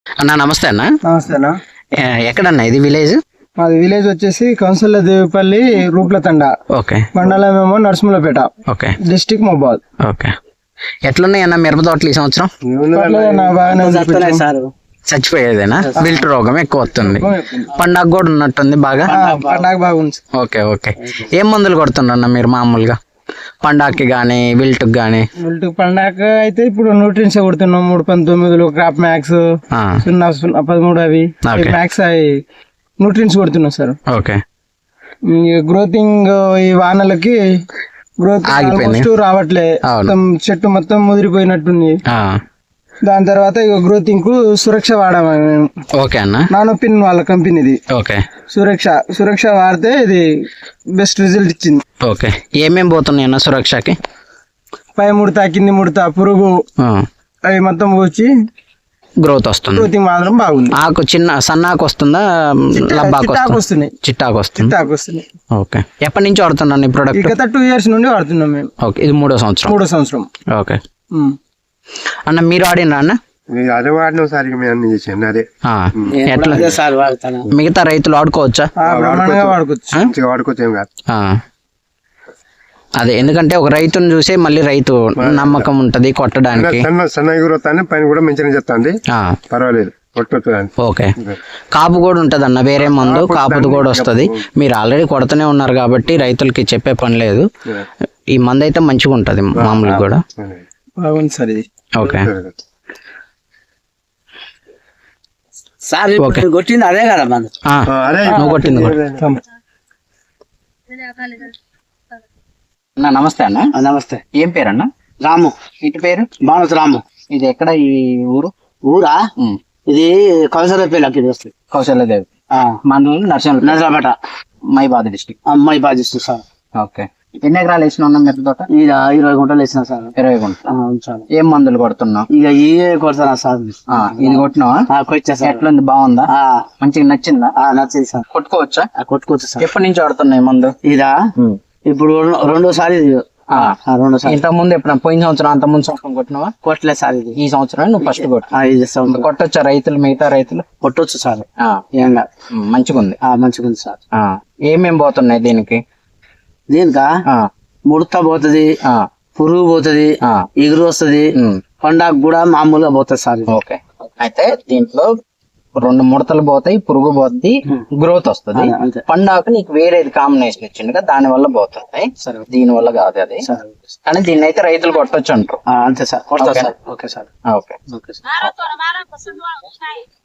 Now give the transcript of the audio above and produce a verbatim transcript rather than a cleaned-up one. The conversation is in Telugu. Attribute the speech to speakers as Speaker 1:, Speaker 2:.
Speaker 1: అన్న నమస్తే అన్న.
Speaker 2: నమస్తే అన్న.
Speaker 1: ఎక్కడన్నా ఇది విలేజ్?
Speaker 2: మాది విలేజ్ వచ్చేసి కౌన్సిల్ దేవిపల్లి రూప్లతండ.
Speaker 1: ఓకే.
Speaker 2: మండలం ఏమో నరసింహులపేట.
Speaker 1: ఓకే.
Speaker 2: డిస్టిక్ మొబాద్.
Speaker 1: ఓకే. ఎట్లున్నాయి అన్న మిరప తోటలు ఈ సంవత్సరం? చచ్చిపోయేదేనా? విల్ట్ రోగం ఎక్కువ వస్తుంది. పండాగ కూడా ఉన్నట్టుంది బాగా.
Speaker 2: పండాగ బాగుంది.
Speaker 1: Okay okay. ఏం మందులు కొడుతుండ్రన్న మీరు మామూలుగా పండాకి గానీ విల్ట్ గానీ?
Speaker 2: విల్ట్ పండాక అయితే ఇప్పుడు న్యూట్రియన్స్ కొడుతున్నాం. మూడు పంతొమ్మిదిలో క్రాప్ మ్యాక్స్ సున్నా సున్నా పదమూడు అవి మ్యాక్స్ అవి న్యూట్రియన్స్ కొడుతున్నాం సార్.
Speaker 1: ఓకే.
Speaker 2: గ్రోతింగ్ ఈ వానలకి గ్రోత్ ఆల్మోస్ట్ రావట్లే. చెట్టు మొత్తం ముదిరిపోయినట్టుంది. దాని తర్వాత ఇక గ్రోతింగ్ కు సురక్ష వాడాము మేము.
Speaker 1: ఓకే అన్న.
Speaker 2: నానోపిన్ వాళ్ళ కంపెనీది.
Speaker 1: ఓకే.
Speaker 2: సురక్ష సురక్ష వాడితే ఇది బెస్ట్ రిజల్ట్ ఇచ్చింది.
Speaker 1: ఓకే. ఏమేమి పోతున్నాయి అన్న సురక్షకి?
Speaker 2: పై ముడత కింది ముడత పురుగు అవి మొత్తం వచ్చి
Speaker 1: గ్రోత్ వస్తుంది.
Speaker 2: గ్రోతింగ్ మాత్రం బాగుంది.
Speaker 1: ఆకు చిన్న సన్నాకు వస్తుందా?
Speaker 2: చిట్టాకు వస్తున్నాయి.
Speaker 1: చిట్టాకు వస్తుంది.
Speaker 2: చిట్టాకు వస్తున్నాయి.
Speaker 1: ఓకే. ఎప్పటి నుంచి వాడుతున్నాను ఈ ప్రోడక్ట్?
Speaker 2: గత టూ ఇయర్స్ నుండి వాడుతున్నాం మేము.
Speaker 1: ఓకే. ఇది మూడో సంవత్సరం.
Speaker 2: మూడో సంవత్సరం.
Speaker 1: ఓకే అన్న. మీరు వాడినరా అన్న?
Speaker 3: అదే వాడినాం సార్. ఇక మేము చేసాను అదే.
Speaker 1: ఎట్లా మిగతా రైతులు వాడుకోవచ్చా?
Speaker 3: వాడుకోవచ్చు. వాడుకోవచ్చు ఏం కాదు.
Speaker 1: అదే ఎందుకంటే ఒక రైతుని చూసే మళ్ళీ రైతు నమ్మకం ఉంటది కొట్టడానికి.
Speaker 3: సన్న ఎగురుతాను పైన కూడా మంచిగా చెప్తాండి. పర్వాలేదు.
Speaker 1: ఓకే. కాపు కూడా ఉంటది అన్న వేరే మందు కాపుది కూడా వస్తుంది. మీరు ఆల్రెడీ కొడుతూనే ఉన్నారు కాబట్టి రైతులకి చెప్పే పని లేదు. ఈ మందు అయితే మంచిగా ఉంటది మామూలుగా కూడా.
Speaker 2: బాగుంది సార్ ఇది.
Speaker 1: ఓకే.
Speaker 4: సార్ కొట్టింది అదే కదా మందు.
Speaker 1: నువ్వు కొట్టింది అన్న. నమస్తే అన్న.
Speaker 4: నమస్తే.
Speaker 1: ఏం పేరు అన్న?
Speaker 4: రాము.
Speaker 1: ఇటు పేరు?
Speaker 4: బాణస్ రాము.
Speaker 1: ఇది ఎక్కడ ఈ ఊరు?
Speaker 4: ఊరా ఇది కౌశల్యపేట వస్తుంది.
Speaker 1: కౌశల్యదేవి మండలం నర్సింహ
Speaker 4: నర్సాపేట
Speaker 1: మైబాద్ డిస్టిక్.
Speaker 4: అమ్మాయి బాధిస్తుంది సార్.
Speaker 1: ఓకే. ఎన్ని ఎకరాలు వేసిన ఉన్నా మిరప తోట?
Speaker 4: ఇక ఇరవై గుంటలు వేసిన సార్.
Speaker 1: ఇరవై గుంటలు. ఏం మందులు కొడుతున్నావు?
Speaker 4: ఇక ఈ కొడతానా సార్.
Speaker 1: ఇది కొట్టినావా?
Speaker 4: కొట్టా సార్.
Speaker 1: ఎట్లుంది? బాగుందా?
Speaker 4: మంచిగా నచ్చిందా?
Speaker 1: నచ్చింది సార్. కొట్టుకోవచ్చా?
Speaker 4: కొట్టుకోవచ్చు సార్.
Speaker 1: ఎప్పటి నుంచి వాడుతున్నాయి మందు?
Speaker 4: ఇదా ఇప్పుడు రెండోసారి. రెండోసారి.
Speaker 1: ఇంత ముందు ఎప్పుడు పోయిన సంవత్సరం అంత ముందు సంవత్సరం కొట్టినావా?
Speaker 4: కొట్టలేదు సార్. ఇది
Speaker 1: ఈ సంవత్సరం నువ్వు ఫస్ట్ కొట్టు. కొట్టొచ్చా రైతులు? మిగతా రైతులు
Speaker 4: కొట్టొచ్చు సార్.
Speaker 1: ఏం కాదు. మంచిగా ఉంది.
Speaker 4: మంచిగా ఉంది సార్.
Speaker 1: ఏమేమి పోతున్నాయి దీనికి?
Speaker 4: దీనికా ముడత పోతుంది, పురుగు పోతుంది, ఎగురు వస్తుంది, పండాగ కూడా మామూలుగా పోతుంది సార్.
Speaker 1: ఓకే. అయితే దీంట్లో రెండు ముడతలు పోతాయి, పురుగు పోతుంది, గ్రోత్ వస్తుంది. పండాకు నీకు వేరేది కాంబినేషన్ ఇచ్చిండు దాని వల్ల పోతుంది. దీని వల్ల కాదు అది. కానీ దీన్ని అయితే రైతులు కొట్టొచ్చు అంటారు.
Speaker 4: అంతే సార్. కొడతా సార్. Okay sir.
Speaker 1: ఓకే.